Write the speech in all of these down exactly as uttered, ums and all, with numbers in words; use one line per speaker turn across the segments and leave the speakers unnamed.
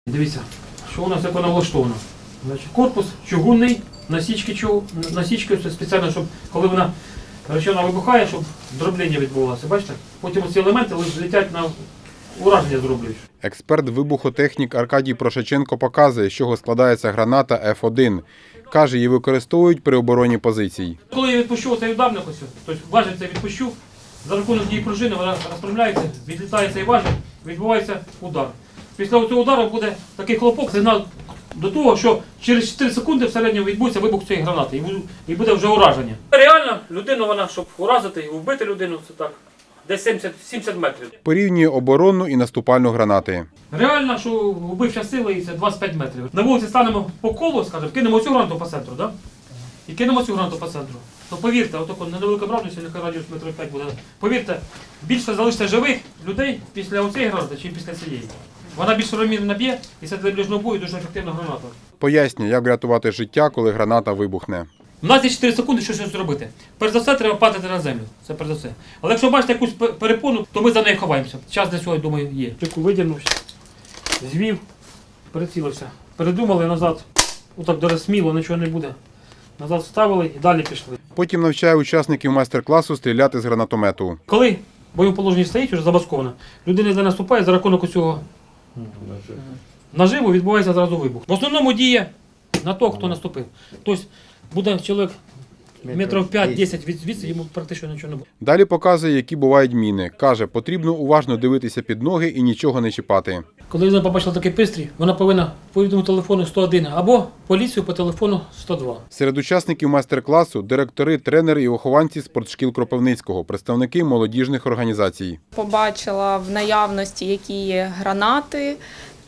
Дивіться, що у нас як воно влаштовано. Значить, корпус чугунний, насічки, чуг... насічки спеціально, щоб коли вона речовина вибухає, щоб дроблення відбувалося. Бачите? Потім ці елементи летять на ураження зроблюють.
Експерт-вибухотехнік Аркадій Прошаченко показує, з чого складається граната еф один. Каже, її використовують при обороні позицій.
Коли я відпущу цей ударник, ось, тобто важіль цей відпущу, за рахунок дії пружини вона розпрямляється, відлітає цей важіль, відбувається удар. Після цього удару буде такий хлопок, сигнал до того, що через чотири секунди в середньому відбудеться вибух цієї гранати і буде вже ураження. Реально, людину вона, щоб уразити і вбити людину, це так, десь сімдесят, сімдесят метрів.
Порівнює оборонну і наступальну гранати.
Реально, що вбивча сила і це двадцять п'ять метрів. На вулиці станемо по колу, скажімо, кинемо цю гранату по центру, да? І кинемо цю гранату по центру. То повірте, отако невелика бравність, нехай радіус метрів п'ять буде. Повірте, більше залишиться живих людей після оцієї гранати, ніж після цієї. Вона більш равномірно б'є, і це для ближнього бою дуже ефективна граната.
Пояснює, як врятувати життя, коли граната вибухне.
У нас є чотири секунди, що щось зробити. Перш за все, треба падати на землю. Це перш за все. Але якщо бачите якусь перепону, то ми за нею ховаємося. Час для цього, я думаю, є. Чеку видягнувся, звів, прицілився. Передумали назад. Отак дуже сміло, нічого не буде. Назад вставили і далі пішли.
Потім навчає учасників майстер-класу стріляти з гранатомету.
Коли в бойовому положенні стоїть, вже забасковано, людина не наступає за рахунок цього наживу, відбувається зразу вибух. В основному діє на того, хто наступив. Тобто буде чоловік метрів п'ять-десять від звідси, йому практично нічого не буде.
Далі показує, які бувають міни. Каже, потрібно уважно дивитися під ноги і нічого не чіпати.
Коли вона побачила такий пристрій, вона повинна повідомити телефону сто один або поліцію по телефону сто два.
Серед учасників майстер-класу – директори, тренери і вихованці спортшкіл Кропивницького, представники молодіжних організацій.
Побачила в наявності, які є гранати,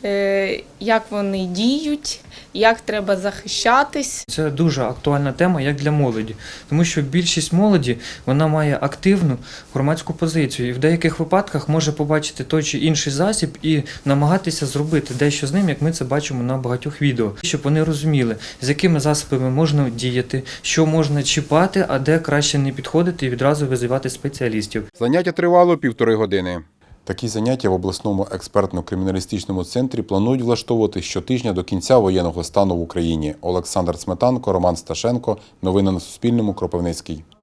як вони діють, як треба захищатись.
Це дуже актуальна тема як для молоді, тому що більшість молоді вона має активну громадську позицію і в деяких випадках може побачити той чи інший засіб і намагатися зробити дещо з ним, як ми це бачимо на багатьох відео, щоб вони розуміли, з якими засобами можна діяти, що можна чіпати, а де краще не підходити і відразу визивати спеціалістів.
Заняття тривало півтори години. Такі заняття в обласному експертно-криміналістичному центрі планують влаштовувати щотижня до кінця воєнного стану в Україні. Олександр Сметанко, Роман Сташенко. Новини на Суспільному. Кропивницький.